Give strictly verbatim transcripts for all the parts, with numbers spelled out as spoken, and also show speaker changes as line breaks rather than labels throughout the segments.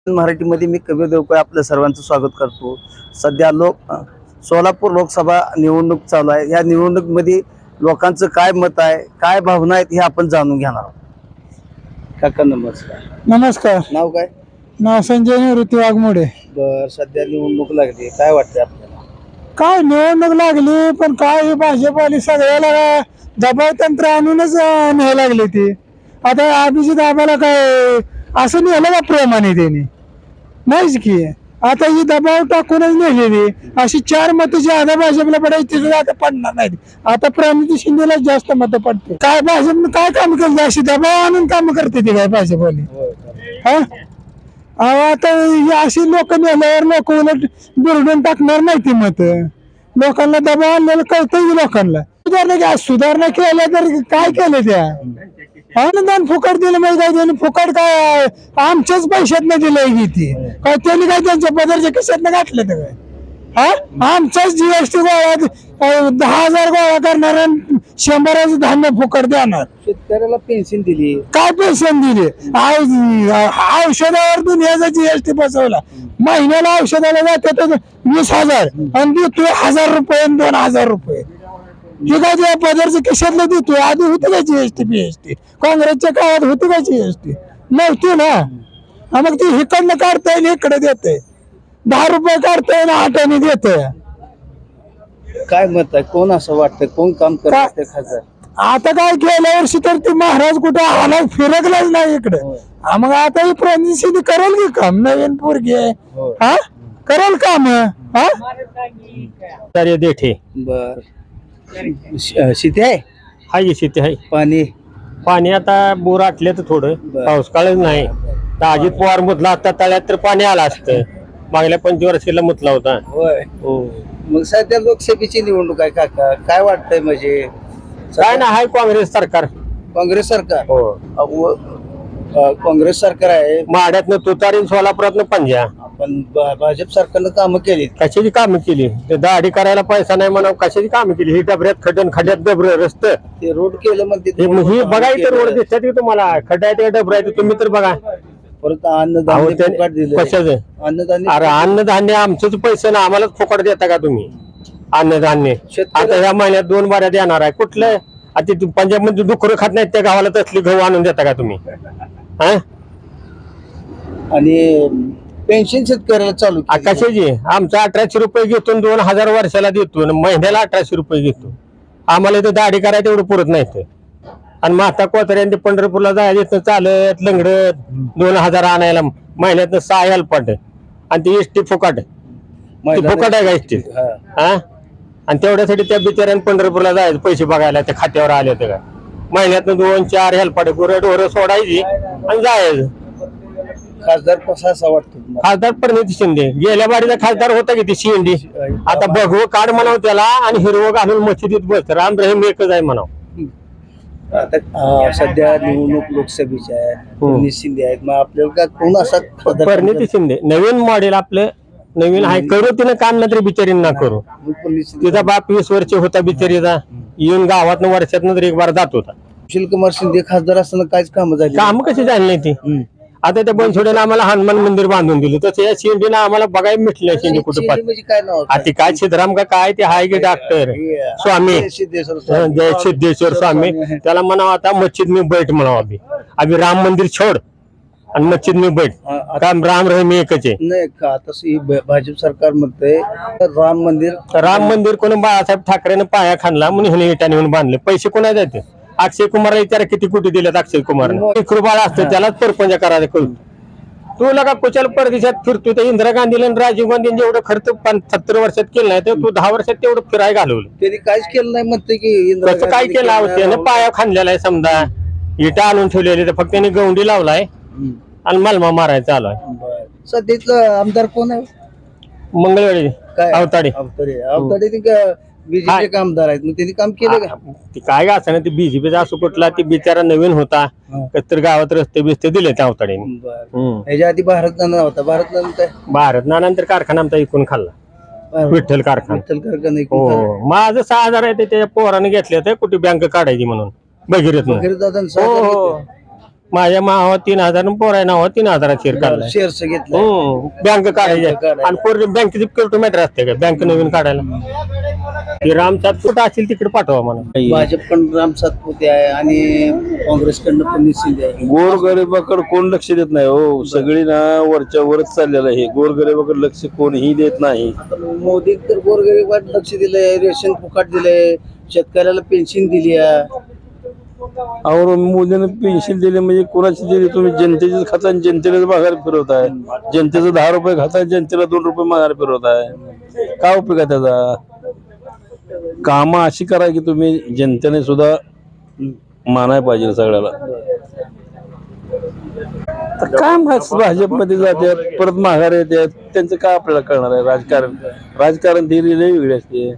मराठीमध्ये मी कबीर देवकर आपल्या सर्वांचं स्वागत करतो। सध्या लोक सोलापूर लोकसभा निवडणूक चालू आहे। या निवडणुकीमध्ये लोकांचं काय मत आहे, काय भावना आहेत हे आपण जाणून घेणार आहोत। काका नमस्कार।
नमस्कार।
नाव काय?
नाव संजय निवृत्ती वाघमोडे।
बर, सध्या निवडणूक लागली, काय वाटतंय आपल्याला?
काय निवडणूक लागली, पण काय भाजपवाली सगळ्याला दबाव तंत्र आणूनच न्यायला लागली ती। आता अभिजित आम्हाला काय असं नेलं का प्रेमाने त्यांनी? नाहीच की। आता ही दबाव टाकूनच नेलेली अशी चार मतं जी आता भाजपला पडायची तिथे आता पडणार नाहीत। आता प्रणिती शिंदेला जास्त मतं पडते। काय भाजपनं काय काम केलं? अशी दबाव आणून काम करते ती काय भाजपवाली? हा, आता ही अशी लोक नेल्यावर लोक उलट बिरडून टाकणार नाही ती मत। लोकांना दबाव आणलेलं कळतंय लोकांना। सुधारणा काय सुधारणा केल्या तर काय केलं त्या? अनुदान फुकट दिलं म्हणजे काय? त्यांनी फुकट काय आमच्याच पैशातनं दिलंय की ती काय? त्यांनी काय त्यांच्या पदरच्या खिशातनं घातलं तर काय? हा, आमचाच जीएसटी गोळा दहा हजार गोळा करणार आणि शंभराचं धान्य फुकट देणार।
शेतकऱ्याला पेन्शन दिली,
काय पेन्शन दिली? औषधावर दुनियाचा जीएसटी बसवला। महिन्याला औषधाला जातात वीस हजार आणि देतोय हजार रुपये दोन हजार रुपये। हे काय त्या पदरच्या खिशातलं देतोय? आधी होती का जीएसटी पीएसटी? काँग्रेसच्या काळात होती का जीएसटी? नव्हती ना। मग ती इकडनं काढताय आणि इकडे देतय। दहा रुपये काढताय आणि आठाने देतय।
काय मत आहे? कोण असं वाटतं, कोण काम करत खासदार?
आता काय गेल्या वर्षी तर ते महाराज कुठे आला फिरकलाच नाही इकडे। मग आता ही प्रणिती करेल की काम? नवीन पोरगी आहे, हा करेल काम। हा
देठे
बर, शेती आहे?
हाय शेती आहे।
पाणी
पाणी आता बोर आटले तर थोडं, पाऊस काळच नाही। तर अजित पवार मुतला असता तळ्यात तर पाणी आलं असतं। मागल्या पंचवर्षीला मुतला होता।
होय।
हो,
मग सध्या लोकसभेची निवडणूक आहे काका, काय वाटतंय? म्हणजे
काय ना हाय काँग्रेस सरकार।
काँग्रेस सरकार?
हो,
अहो, अ, काँग्रेस सरकार आहे।
माड्यातनं तुतारी सोलापुरातनं पंजा।
पण भा- भाजप सरकारनं कामं केली।
कशाची कामं केली? ते दाढी करायला पैसा नाही म्हणा, कशाची कामं केली? ही डबऱ्यात खड्डन खड्ड्यात डबर रस्त
ते रोड केलं म्हणते,
ही बघा इथं रोड दिसतात की तुम्हाला? खड्ड्यात डबर आहे तुम्ही तर बघा।
परत अन्नधान्य फुकट दिलं।
कशाचं
अन्नधान्य
अरे अन्नधान्य आमचंच पैसे ना, आम्हालाच फुकट देता का तुम्ही अन्नधान्य? आता ह्या महिन्यात दोन बाऱ्या देणार आहे। कुठलं आता पंजाब मध्ये डुकरं खात नाहीत त्या गावाला तसली गहू आणून देता का तुम्ही? हा,
आणि पेन्शन शेतकऱ्याला चालू केली।
कशाची? आमचं अठराशे रुपये घेतो, दोन हजार वर्षाला देतो, महिन्याला अठराशे रुपये घेतो। आम्हाला इथं दाढी करायला तेवढं पुरत नाही। आणि माता कोतऱ्यांनी पंढरपूरला जायचं चालत लंगडत दोन हजार आणायला महिन्यात सहा हेल्पाट आणि ती एसटी फुकट। ती फुकट आहे का एसटी? हा, आणि तेवढ्यासाठी त्या बिचाऱ्याने पंढरपूरला जायचं पैसे बघायला त्या खात्यावर आले होते का? महिन्यातनं दोन चार हेल्पाट गुरं ढोरं सोडायची आणि जायचं।
खासदार कसा असा वाटतो तुम्हाला?
खासदार प्रणिती शिंदे गेल्या बारीचा खासदार होता की ती शिंदे। आता भगवं काढ म्हणाव त्याला आणि हिरवं घालून मशिदीत बस, राम रहीम एकच आहे म्हणाव।
आता अ, सध्या निवडणूक लोकसभेची आहे, प्रणिती शिंदे आहेत, मग आपल्याला का कोण असा खासदार?
प्रणिती शिंदे नवीन मॉडेल आपलं नवीन आहे। करू तिनं काम ना तरी बिचारी ना करू।
प्रणिती शिंदे
तिचा बाप वीस वर्ष होता बिचारीचा, येऊन गावात वर्षात तरी एक बार जात होता।
सुशीलकुमार शिंदे खासदार असताना काहीच कामं झाली?
काम कशी झाली नाही ती? आता त्या बनसोड्यानं आम्हाला हनुमान मंदिर बांधून दिलं, तसं या शिंदेनं आम्हाला बघायला मिटलं। शिंदे कुठे
शिंदे म्हणजे काय नाव?
आता काय सिद्धराम का काय ते हाय की डॉक्टर स्वामी
सिद्धेश्वर स्वामी.
जय सिद्धेश्वर स्वामी, त्याला म्हणावं आता मस्जिद में बैठ म्हणावं। अभि अभि राम मंदिर छोड आणि मस्जिद में बैठ। काम राम रहीम एकच आहे।
नाही का तसं ही भ- भाजप सरकार म्हणते राम मंदिर,
राम मंदिर कोणी बाळासाहेब ठाकरेनं पाया खाणला म्हणून ह्याने इटाने म्हणून बांधले। पैसे कोणा जाते? अक्षय कुमारला विचारा किती कोटी दिलेत अक्षय कुमारने? एक रुपयाला असतं त्यालाच परपंच करायला कळून। तू लगा कुशल परदेशात फिरतो, तर इंदिरा गांधीला आणि राजीव गांधीने जेवढं खर्च सत्तर वर्षात केलं नाही तर तू दहा वर्षात तेवढं फिराय घालवलं।
त्यांनी काहीच केलं नाही म्हणते की इंदिरा
कसं काय
गांधीने
केलं?
केलं
त्यानं पाया खांदलेला आहे समजा, इटा आणून ठेवलेली, तर फक्त त्यांनी गवंडी लावलाय
हम्म.
आणि मलमा मारायचा चालू आहे।
बरं. सध्याचं आमदार कोण आहे?
मंगळवेळी
काय
अवताडे
अवताडे अवताडे ते का बीजेपी आमदार आहेत, मग त्यांनी काम केलं का?
ती काय का असं ना, ती बीजेपीचा असो कुठला, ती बिचारा नवीन होता, तर गावात रस्ते बिस्ते दिले त्या अवताडेने।
बरं. ह्याच्या आधी भारत नाना होता, भारत नाना काय
भारत नानंतर कारखाना आमचा इकून खाल्ला, विठ्ठल कारखाना।
विठ्ठल कारखाना
हो, माझं सहा हजार आहे ते त्याच्या पोराने घेतले होते कुठे बँक काढायची म्हणून भगीरथ।
वगैरे दादा
हो हो, माझ्या मावा तीन हजार आणि पोराय नावा तीन हजार शेअर काढलाय.
शेअर्स घेतलं
हो बँक काढायची
काढायला.
आणि पोर बँकेची किलोमीटर असते का बँक नवीन काढायला ते रामसात कुठं असेल तिकडे पाठवा म्हणा.
भाजपकडून राम सातपुते आहे आणि काँग्रेसकडनं पण शिंदे आहे.
गोरगरिबाकडे कोण लक्ष देत नाही हो. सगळी ना वरच्या वरच चाललेलं आहे. गोरगरिबाकडे लक्ष कोणीही देत नाही.
मोदी तर गोरगरीबात लक्ष दिलंय, रेशन फुकट दिलंय, शेतकऱ्याला पेन्शन दिली आहे.
और मोदीने पेन्शन दिले म्हणजे कोणाची दिली? तुम्ही जनतेचे खाता आणि जनतेला माघार फिरवताय. जनतेचं दहा रुपये खाता जनतेला दोन रुपये माघार फिरवताय. काय उपयोग आहे त्याचा? कामं अशी करा की तुम्ही जनतेने सुद्धा मानाय पाहिजे सगळ्याला. तर काय माहित भाजपमध्ये जातात परत माघार येतात, त्यांचं काय आपल्याला कळणार आहे? राजकारण राजकारण थिअरी लई वेगळी असते.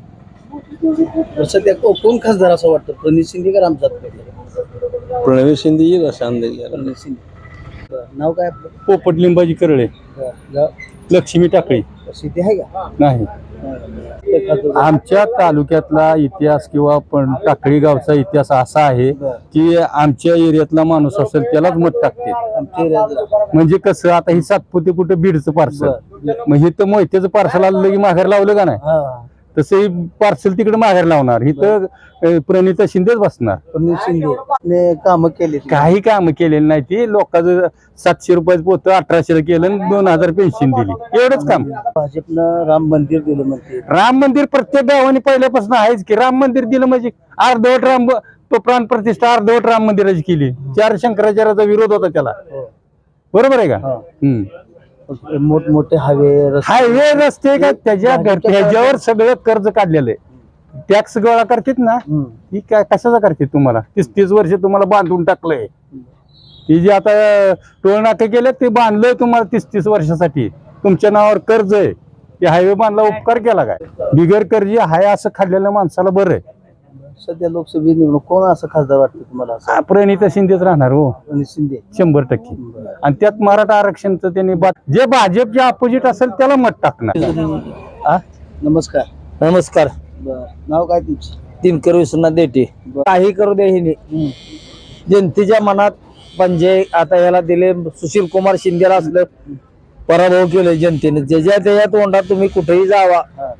सध्या को- कोण खासदार असं वाटतं, प्रणित शिंदे का राम सातपुते?
प्रणवी शिंदे येईल असं अंदाज घ्या.
प्रणित शिंदे. बरं. नाव काय आपलं?
पोपट लिंबाची करळे,
बरं. गाव?
लक्ष्मी टाकळी
शेती आहे का?
नाही.
ते खासदार.
आमच्या तालुक्यातला इतिहास किंवा पण टाकळी गावचा इतिहास असा आहे की आमच्या एरियातला माणूस असेल त्यालाच मत टाकते.
आमच्या एरियात
म्हणजे कसं आता ही सातपुते कुठं बीडचं पार्सल मग हे तर मोहित्याचं पार्सल आलं की माघार लावलं का नाही,
हा
तसं ही पार्सल तिकडे माघार लावणार. ही तर अं, प्रणिता शिंदेच बसणार.
प्रणित शिंदे कामं केली.
काही काम केलेली नाही ती. लोकांचं सातशे रुपयाचं पोतं अठराशेला केलं आणि दोन हजार पेन्शन दिली, एवढंच काम.
भाजपनं राम मंदिर दिलं म्हणते.
राम मंदिर प्रत्येक गावाने पहिल्यापासून आहेच की. राम मंदिर दिलं म्हणजे अर्धवट राम तो प्राण प्रतिष्ठा अर्धवट राम मंदिराची केली. चार शंकराचार्याचा विरोध होता त्याला, बरोबर आहे का?
हा.
हम्म.
मोठमोठे हायवे रस्ते.
हायवे रस्ते का त्याच्या ह्याच्यावर सगळं कर्ज काढलेलं आहे. टॅक्स गोळा करतात ना,
हम्म.
ही काय कशाचा करते? तुम्हाला तीस तीस वर्ष तुम्हाला बांधून टाकलंय. ती जी आता टोल नाके केले ते बांधलंय तुम्हाला तीस तीस वर्षासाठी. तुमच्या नावावर कर्ज आहे, ते हायवे बांधला उपकार केला काय? बिगर कर्जी हाय असं खाल्लेल्या माणसाला बरं आहे.
सध्या लोकसभेत निवडणूक कोण असं खासदार वाटतं तुम्हाला? असं
हा, प्रणिता शिंदेच राहणार हो,
प्रणित शिंदे.
शंभर टक्के. आणि त्यात मराठा आरक्षणचं त्यांनी बा- जे भाजपचे अपोजिट असेल त्याला मत टाकणार.
आ? नमस्कार.
नमस्कार.
बरं. नाव काय तुमचं?
दिनकर विश्वनाथ देठे. काही करू दे हिने जनतेच्या मनात म्हणजे आता याला दिले सुशील कुमार शिंदेला असलं पराभव केले जनतेने. ज्याच्या त्याच्या तोंडात तुम्ही कुठेही जावा,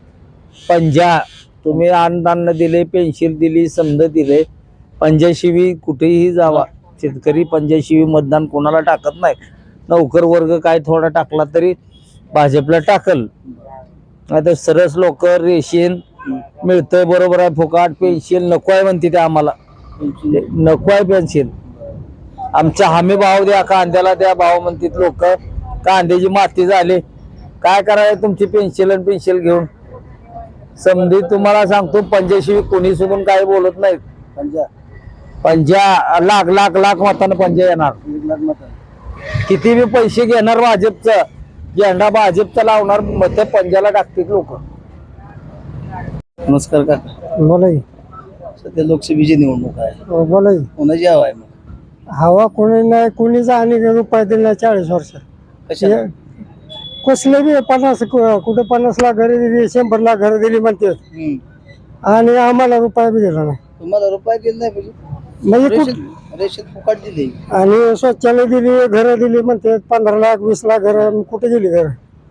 पंजा तुम्ही अन्नदान दिले, पेन्शन दिली, समज दिले, पंजाशिवी कुठेही जावा शेतकरी पंजाशिवी मतदान कोणाला टाकत नाही. नौकर वर्ग काय थोडा टाकला तरी भाजपला टाकल. आता सरस लोक रेशन मिळतंय, बरोबर आहे, फुकाट पेन्शन नको आहे म्हणते ते आम्हाला. नको आहे पेन्शन, आमचा हमी भाव द्या, कांद्याला द्या भाव म्हणतात लोक. कांद्याची माती झाली, काय करायला तुमची पेन्शन आणि पेन्शन घेऊन. समधी तुम्हाला सांगतो पंजाशिवी कोणी सोडून काय बोलत नाहीत.
पंजा
पंजा लाख लाख लाख मतानं पंजा येणार.
एक लाख मत.
किती बी पैसे घेणार भाजपचं, झेंडा भाजपचा लावणार, मत पंजाला टाकतील लोक.
नमस्कार काका.
बोलाय
सध्या लोकसभेची निवडणूक आहे.
बोलाय
कोणाची हवा आहे मग?
हवा कोणी नाही, कोणीच आणि रुपये दिले नाही चाळीस वर्ष.
कशा?
कसले बी पन्नास कुठे पन्नास लाख घरी दिली, शंभर लाख घरी दिली म्हणते, आणि आम्हाला रुपया बी दिला नाही.
तुम्हाला रुपये दिले नाही पाहिजे.
म्हणजे कुठं-
रेशन रेशन फुकट दिली.
आणि शौचालय दिली, घरं दिली म्हणते, पंधरा लाख वीस लाख घर. कुठे दिली घर?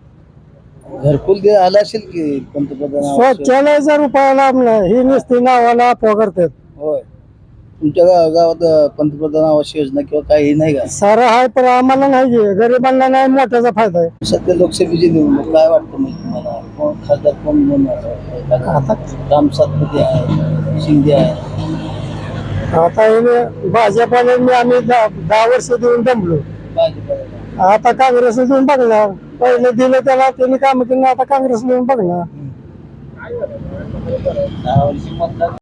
घरकुल दे आला असेल की पंतप्रधान आवास योजना?
शौचालयाचा रुपया लाभ नाही, ही नुसती नावाला अफवा करतात.
होय. तुमच्या गा- गावात अं, पंतप्रधान आवास योजना किंवा काही नाही का?
सारं आहे पण आम्हाला नाही, आहे गरिबांना नाही, मोठ्याचा फायदा आहे.
सध्या लोकसभेची निवडणूक काय वाटतं मग तुम्हाला? कोण खासदार कोण बनणार?
आता
राम सातपुते आहे, शिंदे आहे.
आता हे भाजपाने मी आम्ही दहा दहा वर्ष देऊन दमलो.
भाजपा.
आता काँग्रेस देऊन बघणार. पहिले दिलं त्याला, त्यांनी काम केलं, आता काँग्रेस देऊन बघणार.
दहा वर्षी मतदान